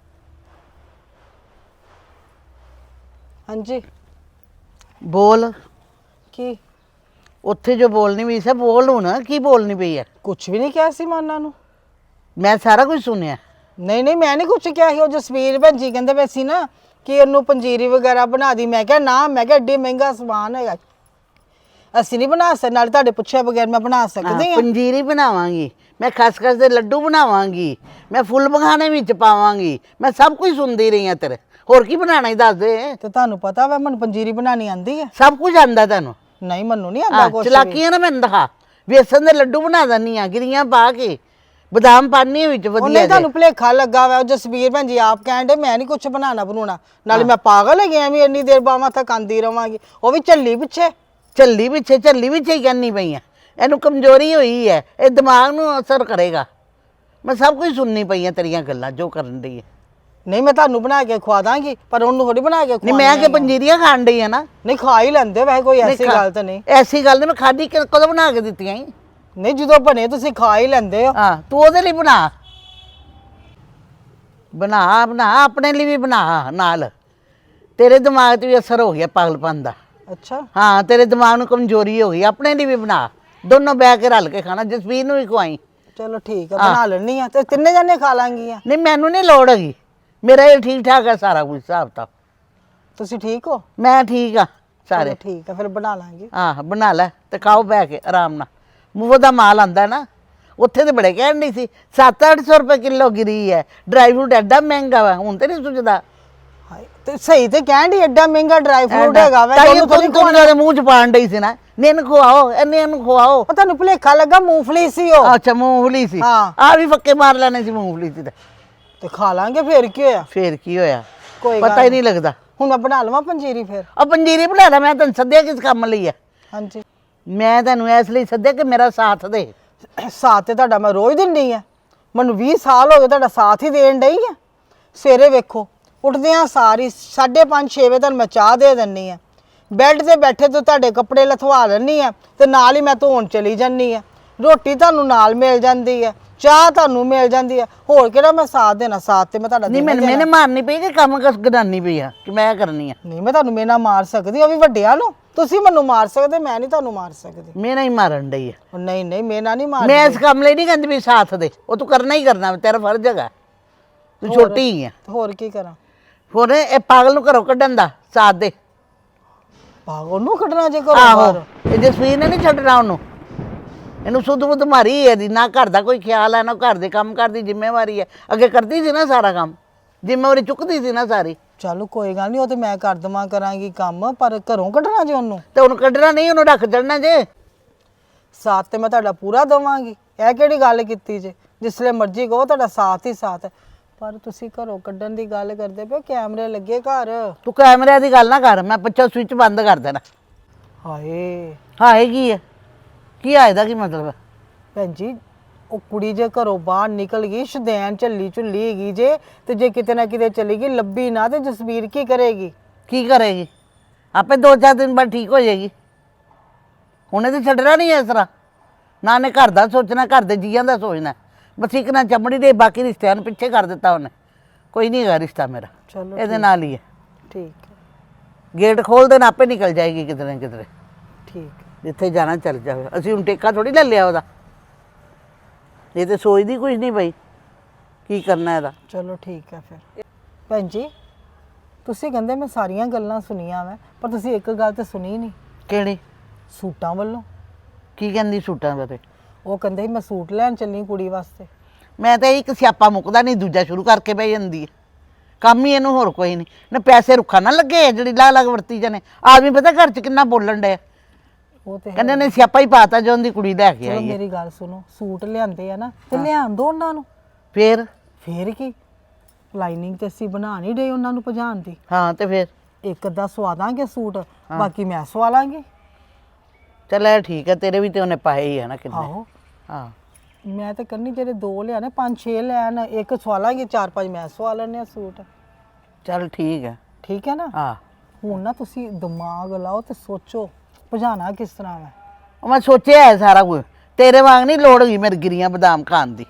[SPEAKER 1] ਹਾਂਜੀ
[SPEAKER 6] ਬੋਲ।
[SPEAKER 1] ਕੀ?
[SPEAKER 6] ਉੱਥੇ ਜੋ ਬੋਲਣੀ ਵੀ ਸੀ ਬੋਲ ਹੁਣ, ਕੀ ਬੋਲਣੀ ਪਈ ਹੈ?
[SPEAKER 1] ਕੁਝ ਵੀ ਨਹੀਂ ਕਿਹਾ ਸੀ ਮੈਂ ਉਹਨਾਂ ਨੂੰ।
[SPEAKER 6] ਮੈਂ ਸਾਰਾ ਕੁਝ ਸੁਣਿਆ।
[SPEAKER 1] ਨਹੀਂ ਨਹੀਂ ਮੈਂ ਨਹੀਂ ਕੁਝ ਕਿਹਾ ਸੀ। ਉਹ ਜਸਵੀਰ ਭੈਣ ਜੀ ਕਹਿੰਦੇ ਪਏ ਸੀ ਨਾ ਕਿ ਇਹਨੂੰ ਪੰਜੀਰੀ ਵਗੈਰਾ ਬਣਾ ਦੀ। ਮੈਂ ਕਿਹਾ ਨਾ, ਮੈਂ ਕਿਹਾ ਏਡੀ ਮਹਿੰਗਾ ਸਮਾਨ ਹੈਗਾ, ਅਸੀਂ ਨਹੀਂ ਬਣਾ ਸਕਦੇ। ਨਾਲ ਤੁਹਾਡੇ ਪੁੱਛਿਆ ਬਗੈਰ ਮੈਂ ਬਣਾ ਸਕਦੀ
[SPEAKER 6] ਹਾਂ,
[SPEAKER 1] ਹਾਂ?
[SPEAKER 6] ਪੰਜੀਰੀ ਬਣਾਵਾਂਗੀ ਮੈਂ, ਖਸਖਸ ਦੇ ਲੱਡੂ ਬਣਾਵਾਂਗੀ ਮੈਂ, ਫੁੱਲ ਮਖਾਣੇ ਵਿੱਚ ਪਾਵਾਂਗੀ ਮੈਂ, ਸਭ ਕੁਝ ਸੁਣਦੀ ਰਹੀ ਹਾਂ ਤੇਰੇ। ਹੋਰ ਕੀ ਬਣਾਉਣਾ ਹੀ ਦੱਸ ਦੇ।
[SPEAKER 1] ਤੇ ਤੁਹਾਨੂੰ ਪਤਾ ਵਾ ਮੈਨੂੰ ਪੰਜੀਰੀ ਬਣਾਉਣੀ ਆਂਦੀ ਹੈ?
[SPEAKER 6] ਸਭ ਕੁਝ ਆਂਦਾ ਤੈਨੂੰ?
[SPEAKER 1] ਨਹੀਂ ਮੈਨੂੰ ਨਹੀਂ ਆਂਦਾ
[SPEAKER 6] ਹਾਂ,
[SPEAKER 1] ਕੁਝ।
[SPEAKER 6] ਚਲਾਕੀਆਂ ਨਾ ਮੈਨੂੰ ਦਿਖਾ। ਵੇਸਣ ਦੇ ਲੱਡੂ ਬਣਾ ਦਿੰਦੀ ਆ, ਗਿਰੀਆਂ ਪਾ ਕੇ ਬਦਾਮ ਪਾਣੀ ਵਿੱਚ ਵਧੀਆ
[SPEAKER 1] ਉਹਨੇ
[SPEAKER 6] ਜਿਹੇ।
[SPEAKER 1] ਤੁਹਾਨੂੰ ਭੁਲੇਖਾ ਲੱਗਾ ਵਾ। ਉਹ ਜਸਵੀਰ ਭੈਣ ਜੀ ਆਪ ਕਹਿੰਦੇ ਮੈਂ ਨਹੀਂ ਕੁਝ ਬਣਾਉਣਾ ਬਣਾਉਣਾ। ਨਾਲੇ ਮੈਂ ਪਾਗਲ ਹੈਗੀ ਐ ਵੀ ਇੰਨੀ ਦੇਰ ਬਾਵਾਂ ਤੱਕ ਆਂਦੀ ਰਵਾਂਗੀ। ਉਹ ਵੀ ਝੱਲੀ ਪਿੱਛੇ।
[SPEAKER 6] ਝੱਲੀ ਪਿੱਛੇ ਝੱਲੀ ਪਿੱਛੇ ਹੀ ਕਹਿੰਦੀ ਪਈ ਆ। ਇਹਨੂੰ ਕਮਜ਼ੋਰੀ ਹੋਈ ਹੈ, ਇਹ ਦਿਮਾਗ ਨੂੰ ਅਸਰ ਕਰੇਗਾ। ਮੈਂ ਸਭ ਕੁਝ ਸੁਣਨੀ ਪਈ ਆ ਤੇਰੀਆਂ ਗੱਲਾਂ ਜੋ ਕਰਨ ਡਈ ਹੈ।
[SPEAKER 1] ਨਹੀਂ ਮੈਂ ਤੁਹਾਨੂੰ ਬਣਾ ਕੇ ਖਵਾ ਦਾਂਗੀ, ਪਰ ਉਹਨੂੰ ਥੋੜੀ ਬਣਾ ਕੇ
[SPEAKER 6] ਨਹੀਂ ਮੈਂ ਕਿ ਪੰਜੀਰੀਆਂ ਖਾਣ ਡਈ ਆ ਨਾ।
[SPEAKER 1] ਨਹੀਂ ਖਾ ਹੀ ਲੈਂਦੇ ਵੈਸੇ, ਕੋਈ ਐਸੀ
[SPEAKER 6] ਖਾ-
[SPEAKER 1] ਗੱਲ ਤਾਂ ਨਹੀਂ।
[SPEAKER 6] ਐਸੀ ਗੱਲ ਨਹੀਂ। ਮੈਂ ਖਾਦੀ ਕਦੋਂ ਬਣਾ ਕੇ ਦਿੱਤੀਆਂ ਈ?
[SPEAKER 1] ਨਹੀਂ ਜਦੋਂ ਬਣੇ ਤੁਸੀਂ ਖਾ ਹੀ ਲੈਂਦੇ ਹੋ।
[SPEAKER 6] ਹਾਂ, ਤੂੰ ਉਹਦੇ ਲਈ ਬਣਾ ਬਣਾ ਬਣਾ ਆਪਣੇ ਲਈ ਵੀ ਬਣਾ। ਨਾਲ ਤੇਰੇ ਦਿਮਾਗ 'ਤੇ ਵੀ ਅਸਰ ਹੋ ਗਿਆ ਪਾਗਲਪਨ ਦਾ।
[SPEAKER 1] ਅੱਛਾ
[SPEAKER 6] ਹਾਂ, ਤੇਰੇ ਦਿਮਾਗ ਨੂੰ ਕਮਜ਼ੋਰੀ ਹੋ ਗਈ। ਆਪਣੇ ਲਈ ਵੀ ਬਣਾ, ਦੋਨੋਂ ਬਹਿ ਕੇ ਰਲ ਕੇ ਖਾਣਾ। ਜਸਵੀਰ ਨੂੰ ਵੀ ਖਵਾਈ।
[SPEAKER 1] ਚਲੋ ਠੀਕ ਆ, ਬਣਾ ਲੈਣੀ ਆ ਤੇ ਤਿੰਨੇ ਜਣੇ ਖਾ ਲਾਂਗੀਆਂ।
[SPEAKER 6] ਨਹੀਂ ਮੈਨੂੰ ਨਹੀਂ ਲੋੜ ਹੈਗੀ, ਮੇਰਾ ਇਹ ਠੀਕ ਠਾਕ ਹੈ ਸਾਰਾ ਕੁਝ ਹਿਸਾਬ ਤਾਂ।
[SPEAKER 1] ਤੁਸੀਂ ਠੀਕ ਹੋ?
[SPEAKER 6] ਮੈਂ ਠੀਕ ਆ ਸਾਰੇ।
[SPEAKER 1] ਚਲੋ ਠੀਕ ਆ, ਫਿਰ ਬਣਾ ਲਾਂਗੇ।
[SPEAKER 6] ਆਹ ਬਣਾ ਲੈ ਤੇ ਖਾਓ ਬਹਿ ਕੇ ਆਰਾਮ ਨਾਲ। ਮੂੰਹ ਦਾ ਮਾਲ ਆਂਦਾ ਨਾ। ਉੱਥੇ ਤੇ ਬੜੇ ਕਹਿਣ ਨਹੀਂ ਸੀ ਸੱਤ ਅੱਠ ਸੌ ਰੁਪਏ ਕਿਲੋ ਗਿਰੀ ਹੈ, ਡਰਾਈ ਫਰੂਟ ਐਡਾ ਮਹਿੰਗਾ ਵਾ। ਹੁਣ ਤੇ ਨਹੀਂ ਸੁਝਦਾ।
[SPEAKER 1] ਹਾਏ, ਤੇ ਸਹੀ ਤੇ ਕਹਿਣ ਡਈ ਐਡਾ ਮਹਿੰਗਾ ਡਰਾਈ ਫਰੂਟ ਹੈਗਾ ਵਾ।
[SPEAKER 6] ਤਾਈਓ
[SPEAKER 1] ਤੁਹਾਨੂੰ ਥੋੜੀ
[SPEAKER 6] ਤੁਹਾਨੂੰ ਤੁਹਾਨੂੰ ਦੇ ਮੂੰਹ ਚ ਪਾਣ ਡਈ ਸੀ ਨਾ। ਨਿੰਨ ਖਵਾਓ, ਇਹਨੇ ਇਹਨੂੰ ਖਵਾਓ।
[SPEAKER 1] ਉਹ ਤੁਹਾਨੂੰ ਭੁਲੇਖਾ ਲੱਗਾ ਮੂੰਗਫਲੀ ਸੀ ਉਹ।
[SPEAKER 6] ਅੱਛਾ ਮੂੰਗਫਲੀ ਸੀ।
[SPEAKER 1] ਹਾਂ।
[SPEAKER 6] ਆ ਵੀ ਫੱਕੇ ਮਾਰ ਲੈਣੇ ਸੀ ਮੂੰਗਫਲੀ ਸੀ ਤੇ
[SPEAKER 1] ਤੇ ਖਾ ਲਾਂਗੇ, ਫਿਰ ਕੀ ਹੋਇਆ?
[SPEAKER 6] ਫੇਰ ਕੀ ਹੋਇਆ?
[SPEAKER 1] ਕੋਈ
[SPEAKER 6] ਪਤਾ
[SPEAKER 1] ਗੱਲ
[SPEAKER 6] ਹੀ ਨਹੀਂ ਲੱਗਦਾ।
[SPEAKER 1] ਹੁਣ ਮੈਂ ਬਣਾ ਲਵਾਂ ਪੰਜੀਰੀ ਫਿਰ?
[SPEAKER 6] ਆ ਪੰਜੀਰੀ ਬਣਾ ਲੈ। ਮੈਂ ਤੈਨੂੰ ਸੱਦਿਆ ਕਿਸ ਕੰਮ ਲਈ ਹੈ?
[SPEAKER 1] ਹਾਂਜੀ
[SPEAKER 6] ਮੈਂ ਤੈਨੂੰ ਇਸ ਲਈ ਸੱਦਿਆ ਕਿ ਮੇਰਾ ਸਾਥ ਦੇ।
[SPEAKER 1] ਸਾਥ ਤੇ ਤੁਹਾਡਾ ਮੈਂ ਰੋਜ਼ ਦਿੰਦੀ ਆ। ਮੈਨੂੰ ਵੀਹ ਸਾਲ ਹੋ ਗਏ ਤੁਹਾਡਾ ਸਾਥ ਹੀ ਦੇਣ ਡਈ ਆ। ਸਵੇਰੇ ਵੇਖੋ ਉੱਠਦਿਆਂ ਸਾਰੀ ਸਾਢੇ ਪੰਜ ਛੇ ਵਜੇ ਤੁਹਾਨੂੰ ਮੈਂ ਚਾਹ ਦੇ ਦਿੰਨੀ ਆ। ਬੈੱਡ ਤੇ ਬੈਠੇ ਤੋਂ ਤੁਹਾਡੇ ਕੱਪੜੇ ਲਥਵਾ ਲੈਣੀ ਆ ਤੇ ਨਾਲ ਹੀ ਮੈਂ ਧੋਣ ਚਲੀ ਜਾਂਦੀ ਆ। ਰੋਟੀ ਤੁਹਾਨੂੰ ਨਾਲ ਮਿਲ ਜਾਂਦੀ ਆ, ਚਾਹ ਤੁਹਾਨੂੰ ਮਿਲ ਜਾਂਦੀ ਆ। ਹੋਰ ਕਿਹੜਾ ਮੈਂ ਸਾਥ ਦੇਣਾ? ਸਾਥ ਤੇ ਮੈਂ ਤੁਹਾਡਾ
[SPEAKER 6] ਨਹੀਂ
[SPEAKER 1] ਦੇਣਾ
[SPEAKER 6] ਮੈਨੂੰ
[SPEAKER 1] ਹੀ
[SPEAKER 6] ਮੈਨੇ
[SPEAKER 1] ਦੇਣਾ।
[SPEAKER 6] ਮਾਰਨੀ ਪਈ ਕਿ ਕੰਮ ਕਸ ਗਡਾਨੀ ਪਈ ਆ ਕਿ ਮੈਂ ਕਰਨੀ ਆ?
[SPEAKER 1] ਨਹੀਂ ਮੈਂ ਤੁਹਾਨੂੰ ਮੇਨਾ ਮਾਰ ਸਕਦੀ, ਉਹ ਵੀ ਵੱਡਿਆਂ ਨੂੰ। ਤੁਸੀਂ ਮੈਨੂੰ ਮਾਰ ਸਕਦੇ, ਮੈਂ ਨਹੀਂ ਤੁਹਾਨੂੰ ਮਾਰ ਸਕਦੀ।
[SPEAKER 6] ਮੇਰਾ ਹੀ ਮਾਰਨ ਡਈ ਆ।
[SPEAKER 1] ਉਹ ਨਹੀਂ ਨਹੀਂ ਮੇਨਾ ਨਹੀਂ ਮਾਰ।
[SPEAKER 6] ਮੈਂ ਇਸ ਕੰਮ ਲਈ ਨਹੀਂ ਕਹਿੰਦੀ ਵੀ ਸਾਥ ਦੇ। ਉਹ ਤੂੰ ਕਰਨਾ ਹੀ ਕਰਨਾ, ਤੇਰਾ ਫਰਜ਼ ਹੈਗਾ। ਤੂੰ ਛੋਟੀ ਹੀ ਆ।
[SPEAKER 1] ਹੋਰ ਕੀ ਕਰਾਂ?
[SPEAKER 6] ਹੋਰ ਇਹ ਪਾਗਲ ਨੂੰ ਘਰੋਂ ਕੱਢਣ ਦਾ ਸਾਥ ਦੇ।
[SPEAKER 1] ਪਾਗਲ ਨੂੰ ਕੱਢਣਾ ਜੇ ਕਰੋ
[SPEAKER 6] ਆਹੋ,
[SPEAKER 1] ਬਾਹਰ।
[SPEAKER 6] ਇਹ ਜਸਵੀਰ ਨੇ ਨਹੀਂ ਛੱਡਣਾ ਉਹਨੂੰ। ਇਹਨੂੰ ਸੁੱਧ ਬੁੱਧ ਮਾਰੀ ਹੈ ਦੀ, ਨਾ ਘਰ ਦਾ ਕੋਈ ਖਿਆਲ ਹੈ ਨਾ ਘਰ ਦੇ ਕੰਮ ਕਰਦੀ ਜ਼ਿੰਮੇਵਾਰੀ ਹੈ। ਅੱਗੇ ਕਰਦੀ ਸੀ ਨਾ ਸਾਰਾ ਕੰਮ, ਜ਼ਿੰਮੇਵਾਰੀ ਚੁੱਕਦੀ ਸੀ ਨਾ ਸਾਰੀ।
[SPEAKER 1] ਚਲੋ ਕੋਈ ਗੱਲ ਨਹੀਂ, ਉਹ ਤੇ ਮੈਂ ਕਰ ਦੇਵਾਂ ਕਰਾਂਗੀ ਕੰਮ, ਪਰ ਘਰੋਂ ਕੱਢਣਾ ਜੇ ਉਹਨੂੰ।
[SPEAKER 6] ਤੇ ਉਹਨੂੰ ਕੱਢਣਾ ਨਹੀਂ, ਉਹਨੂੰ ਰੱਖ ਚੜਨਾ ਜੇ।
[SPEAKER 1] ਸਾਥ ਤੇ ਮੈਂ ਤੁਹਾਡਾ ਪੂਰਾ ਦੇਵਾਂਗੀ, ਇਹ ਕਿਹੜੀ ਗੱਲ ਕੀਤੀ ਜੇ? ਜਿਸਲੇ ਮਰਜ਼ੀ ਕਹੋ, ਤੁਹਾਡਾ ਸਾਥ ਹੀ ਸਾਥ ਹੈ। ਪਰ ਤੁਸੀਂ ਘਰੋਂ ਕੱਢਣ ਦੀ ਗੱਲ ਕਰਦੇ ਪਏ, ਕੈਮਰੇ ਲੱਗੇ ਘਰ।
[SPEAKER 6] ਤੂੰ ਕੈਮਰਿਆਂ ਦੀ ਗੱਲ ਨਾ ਕਰ, ਮੈਂ ਪਿੱਛੋਂ ਸਵਿਚ ਬੰਦ ਕਰ ਦੇਣਾ।
[SPEAKER 1] ਹਾਏ
[SPEAKER 6] ਹਾਏ ਕੀ ਹੈ, ਕੀ ਆਏ ਦਾ ਕੀ ਮਤਲਬ ਹੈ?
[SPEAKER 1] ਭੈਣ ਜੀ, ਉਹ ਕੁੜੀ ਜੇ ਘਰੋਂ ਬਾਹਰ ਨਿਕਲ ਗਈ, ਸ਼ਦੈਨ ਝੱਲੀ ਝੁੱਲੀ ਹੈਗੀ ਜੇ, ਤੇ ਜੇ ਕਿਤੇ ਨਾ ਕਿਤੇ ਚਲੀ ਗਈ ਲੱਭੀ ਨਾ, ਤੇ ਜਸਵੀਰ ਕੀ ਕਰੇਗੀ?
[SPEAKER 6] ਕੀ ਕਰੇਗੀ? ਆਪੇ ਦੋ ਚਾਰ ਦਿਨ ਬਾਅਦ ਠੀਕ ਹੋ ਜਾਏਗੀ। ਹੁਣੇ ਤੇ ਛੱਡਣਾ ਨਹੀਂ ਇਸ ਤਰ੍ਹਾਂ, ਨਾ ਨੇ ਘਰ ਦਾ ਸੋਚਣਾ, ਘਰ ਦੇ ਜੀਆਂ ਦਾ ਸੋਚਣਾ। ਬਸ ਇੱਕ ਨਾ ਚਮੜੀ ਦੇ ਬਾਕੀ ਰਿਸ਼ਤਿਆਂ ਨੂੰ ਪਿੱਛੇ ਕਰ ਦਿੱਤਾ ਉਹਨੇ। ਕੋਈ ਨਹੀਂ ਹੈਗਾ ਰਿਸ਼ਤਾ ਮੇਰਾ,
[SPEAKER 1] ਚਲੋ
[SPEAKER 6] ਇਹਦੇ ਨਾਲ ਹੀ ਹੈ।
[SPEAKER 1] ਠੀਕ ਹੈ,
[SPEAKER 6] ਗੇਟ ਖੋਲ ਦੇਣਾ, ਆਪੇ ਨਿਕਲ ਜਾਏਗੀ ਕਿਤੇ ਨਾ ਕਿਤੇ,
[SPEAKER 1] ਠੀਕ ਹੈ।
[SPEAKER 6] ਜਿੱਥੇ ਜਾਣਾ ਚੱਲ ਜਾਵੇ। ਅਸੀਂ ਹੁਣ ਟੇਕਾ ਥੋੜੀ ਲੈ ਲਿਆ ਉਹਦਾ, ਇਹ ਤੇ ਸੋਚਦੀ ਕੁਝ ਨਹੀਂ ਬਈ ਕੀ ਕਰਨਾ ਇਹਦਾ।
[SPEAKER 1] ਚਲੋ ਠੀਕ ਹੈ ਫਿਰ। ਭੈਣ ਜੀ, ਤੁਸੀਂ ਕਹਿੰਦੇ ਮੈਂ ਸਾਰੀਆਂ ਗੱਲਾਂ ਸੁਣੀਆਂ ਮੈਂ, ਪਰ ਤੁਸੀਂ ਇੱਕ ਗੱਲ ਤੇ ਸੁਣੀ ਨਹੀਂ,
[SPEAKER 6] ਕਿਹੜੀ?
[SPEAKER 1] ਸੂਟਾਂ ਵੱਲੋਂ।
[SPEAKER 6] ਕੀ ਕਹਿੰਦੀ ਸੂਟਾਂ ਬਾਰੇ?
[SPEAKER 1] ਉਹ ਕਹਿੰਦੇ ਸੀ ਮੈਂ ਸੂਟ ਲੈਣ ਚੱਲੀ ਕੁੜੀ ਵਾਸਤੇ।
[SPEAKER 6] ਮੈਂ ਤਾਂ ਇੱਕ ਸਿਆਪਾ ਮੁੱਕਦਾ ਨਹੀਂ, ਦੂਜਾ ਸ਼ੁਰੂ ਕਰਕੇ ਬਹਿ ਜਾਂਦੀ ਹੈ। ਕੰਮ ਹੀ ਇਹਨੂੰ ਹੋਰ ਕੋਈ ਨਹੀਂ ਨਾ। ਪੈਸੇ ਰੁੱਖਾ ਨਾ ਲੱਗੇ ਜਿਹੜੀ ਲਾ ਲੱਗ ਵਰਤੀ ਜਾਣੇ। ਆਦਮੀ ਪਤਾ ਘਰ 'ਚ ਕਿੰਨਾ ਬੋਲਣ ਡਿਆ,
[SPEAKER 1] ਉਹ ਤੇ ਹੈ।
[SPEAKER 6] ਕਹਿੰਦੇ ਨੇ ਸਿਆਪਾ ਹੀ ਪਾਤਾ ਜੋ ਉਹਦੀ ਕੁੜੀ ਲੈ ਕੇ
[SPEAKER 1] ਚਲੋ
[SPEAKER 6] ਆਈ ਹੈ।
[SPEAKER 1] ਮੇਰੀ ਗੱਲ ਸੁਣੋ, ਸੂਟ ਲਿਆਂਦੇ ਆ ਨਾ, ਤੇ ਲਿਆਣ ਦੋ ਉਹਨਾਂ ਨੂੰ।
[SPEAKER 6] ਫੇਰ?
[SPEAKER 1] ਫੇਰ ਕੀ, ਲਾਈਨਿੰਗ ਤੇ ਅਸੀਂ ਬਣਾ ਨਹੀਂ ਰਹੇ ਉਹਨਾਂ ਨੂੰ ਭਜਾਉਣ ਦੀ।
[SPEAKER 6] ਹਾਂ ਤੇ ਫੇਰ?
[SPEAKER 1] ਇੱਕ ਅੱਧਾ ਸਵਾ ਦਾਂਗੇ ਸੂਟ, ਬਾਕੀ ਮੈਂ ਸਵਾ ਲਾਂਗੀ।
[SPEAKER 6] ਚੱਲ ਇਹ ਠੀਕ ਹੈ, ਤੇਰੇ ਵੀ ਤੇ ਉਹਨੇ ਪਾਏ ਹੀ ਹੈ ਨਾ ਕਿੰਨੇ।
[SPEAKER 1] ਆਹੋ,
[SPEAKER 6] ਹਾਂ
[SPEAKER 1] ਮੈਂ ਤਾਂ ਕਰਨੀ ਜਿਹੜੇ ਦੋ ਲਿਆਣੇ, ਪੰਜ ਛੇ ਲੈਣ, ਇੱਕ ਸਵਾ ਲਾਂਗੇ, ਚਾਰ ਪੰਜ ਮੈਂ ਸਵਾ ਲੈਣੇ ਆ ਸੂਟ।
[SPEAKER 6] ਚੱਲ ਠੀਕ ਹੈ।
[SPEAKER 1] ਠੀਕ ਹੈ ਨਾ?
[SPEAKER 6] ਹਾਂ
[SPEAKER 1] ਹੁਣ ਨਾ ਤੁਸੀਂ ਦਿਮਾਗ ਲਾਓ ਤੇ ਸੋਚੋ ਭਜਾਣਾ ਕਿਸ ਤਰ੍ਹਾਂ ਹੈ।
[SPEAKER 6] ਉਹ ਮੈਂ ਸੋਚਿਆ ਹੈ ਸਾਰਾ ਕੁਝ, ਤੇਰੇ ਵਾਂਗ ਨਹੀਂ ਲੋੜ ਹੋਈ ਮੇਰੇ ਗਿਰੀਆਂ ਬਦਾਮ ਖਾਣ ਦੀ,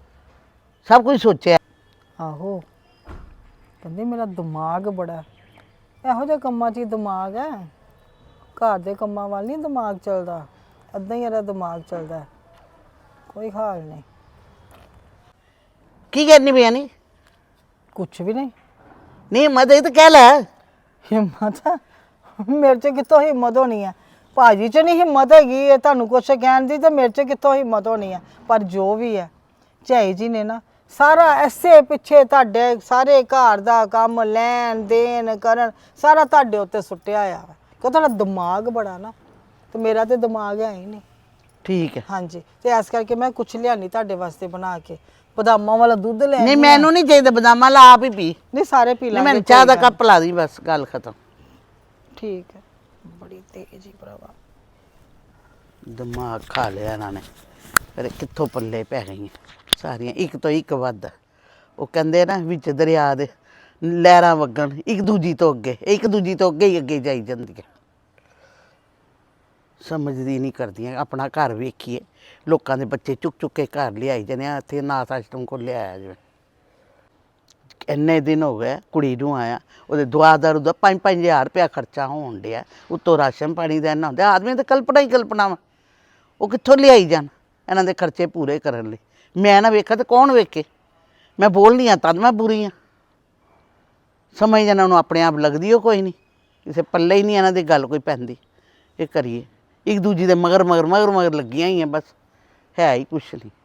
[SPEAKER 6] ਸਭ ਕੁਝ ਸੋਚਿਆ।
[SPEAKER 1] ਆਹੋ, ਕਹਿੰਦੇ ਮੇਰਾ ਦਿਮਾਗ ਬੜਾ, ਇਹੋ ਜਿਹੇ ਕੰਮਾਂ 'ਚ ਹੀ ਦਿਮਾਗ ਹੈ, ਘਰ ਦੇ ਕੰਮਾਂ ਵੱਲ ਨਹੀਂ ਦਿਮਾਗ ਚੱਲਦਾ, ਅੱਧਾ ਹੀ ਇਹਦਾ ਦਿਮਾਗ ਚੱਲਦਾ ਹੈ। ਕੋਈ ਹਾਲ ਨਹੀਂ।
[SPEAKER 6] ਕੀ ਕਰਨੀ ਪਿਆ? ਨਹੀਂ
[SPEAKER 1] ਕੁਛ ਵੀ ਨਹੀਂ।
[SPEAKER 6] ਨਹੀਂ ਹਿੰਮਤ ਹੈ ਤਾਂ ਕਹਿ ਲੈ।
[SPEAKER 1] ਹਿੰਮਤ? ਮੇਰੇ 'ਚ ਕਿੱਥੋਂ ਹਿੰਮਤ ਹੋਣੀ ਹੈ? ਭਾਜੀ 'ਚ ਨਹੀਂ ਹਿੰਮਤ ਹੈਗੀ ਇਹ ਤੁਹਾਨੂੰ ਕੁਛ ਕਹਿਣ ਦੀ, ਤੇ ਮੇਰੇ 'ਚ ਕਿੱਥੋਂ ਹਿੰਮਤ ਹੋਣੀ ਹੈ? ਪਰ ਜੋ ਵੀ ਹੈ, ਝਾਈ ਜੀ ਨੇ ਨਾ ਸਾਰਾ ਐਸੇ ਪਿੱਛੇ ਤੁਹਾਡੇ ਸਾਰੇ ਘਰ ਦਾ ਕੰਮ ਲੈਣ ਦੇਣ ਕਰਨ ਸਾਰਾ ਤੁਹਾਡੇ ਉੱਤੇ ਸੁੱਟਿਆ ਆ, ਕਿਉਂ ਤੁਹਾਡਾ ਦਿਮਾਗ ਬੜਾ ਨਾ, ਤੇ ਮੇਰਾ ਤੇ ਦਿਮਾਗ ਹੈ ਹੀ ਨਹੀਂ।
[SPEAKER 6] ਠੀਕ ਹੈ।
[SPEAKER 1] ਹਾਂਜੀ, ਤੇ ਇਸ ਕਰਕੇ ਮੈਂ ਕੁਛ ਲਿਆਣੀ ਤੁਹਾਡੇ ਵਾਸਤੇ ਬਣਾ ਕੇ, ਬਦਾਮਾਂ ਵਾਲਾ ਦੁੱਧ ਲੈ
[SPEAKER 6] ਨਹੀਂ ਮੈਨੂੰ ਨਹੀਂ ਚਾਹੀਦਾ ਬਦਾਮਾਂ, ਲਾ ਆਪ ਹੀ ਪੀ।
[SPEAKER 1] ਨਹੀਂ ਸਾਰੇ ਪੀ
[SPEAKER 6] ਨਹੀਂ
[SPEAKER 1] ਲਾਂਗੇ।
[SPEAKER 6] ਮੈਨੂੰ ਚਾਹ ਦਾ ਕੱਪ ਲਾ ਦੀ, ਬਸ ਗੱਲ ਖਤਮ।
[SPEAKER 1] ਠੀਕ ਹੈ। ਬੜੀ ਤੇਜ਼ ਹੀ ਭਰਾਵਾ,
[SPEAKER 6] ਦਿਮਾਗ ਖਾ ਲਿਆ ਇਹਨਾਂ ਨੇ, ਪਰ ਕਿੱਥੋਂ ਪੱਲੇ ਪੈ ਗਈਆਂ ਸਾਰੀਆਂ, ਇੱਕ ਤੋਂ ਇੱਕ ਵੱਧ। ਉਹ ਕਹਿੰਦੇ ਨਾ ਵਿੱਚ ਦਰਿਆ ਦੇ ਲਹਿਰਾਂ ਵਗਣ, ਇੱਕ ਦੂਜੀ ਤੋਂ ਅੱਗੇ, ਇੱਕ ਦੂਜੀ ਤੋਂ ਅੱਗੇ ਹੀ ਅੱਗੇ ਜਾਈ ਜਾਂਦੀਆਂ। ਸਮਝਦੀ ਨਹੀਂ ਕਰਦੀਆਂ, ਆਪਣਾ ਘਰ ਵੇਖੀਏ, ਲੋਕਾਂ ਦੇ ਬੱਚੇ ਚੁੱਕ ਚੁੱਕ ਕੇ ਘਰ ਲਿਆਈ ਜਾਂਦੇ ਆ। ਇੱਥੇ ਅਨਾਥ ਆਸ਼ਰਮ ਕੋਲ ਲਿਆਇਆ ਜਿਵੇਂ, ਇੰਨੇ ਦਿਨ ਹੋ ਗਏ ਕੁੜੀ ਨੂੰ ਆਇਆ, ਉਹਦੇ ਦੁਆ ਦਾਰੂ ਦਾ ਪੰਜ ਪੰਜ ਹਜ਼ਾਰ ਰੁਪਇਆ ਖਰਚਾ ਹੋਣ ਡਿਆ, ਉੱਤੋਂ ਰਾਸ਼ਨ ਪਾਣੀ ਦਾ ਇੰਨਾ ਹੁੰਦਾ। ਆਦਮੀ ਤਾਂ ਕਲਪਨਾ ਹੀ ਕਲਪਨਾ ਵਾ, ਉਹ ਕਿੱਥੋਂ ਲਿਆਈ ਜਾਣ ਇਹਨਾਂ ਦੇ ਖਰਚੇ ਪੂਰੇ ਕਰਨ ਲਈ। ਮੈਂ ਨਾ ਵੇਖਾਂ ਤਾਂ ਕੌਣ ਵੇਖੇ? ਮੈਂ ਬੋਲਨੀ ਆ ਤਦ ਮੈਂ ਬੁਰੀ ਹਾਂ। ਸਮਝ ਇਹਨਾਂ ਨੂੰ ਆਪਣੇ ਆਪ ਲੱਗਦੀ ਉਹ ਕੋਈ ਨਹੀਂ, ਕਿਸੇ ਪੱਲੇ ਹੀ ਨਹੀਂ ਇਹਨਾਂ ਦੀ ਗੱਲ ਕੋਈ ਪੈਂਦੀ। ਇਹ ਕਰੀਏ ਇੱਕ ਦੂਜੀ ਦੇ ਮਗਰ ਮਗਰ ਮਗਰ ਮਗਰ ਲੱਗੀਆਂ ਹੀ ਆ, ਬਸ ਹੈ ਹੀ ਕੁਛ ਨਹੀਂ।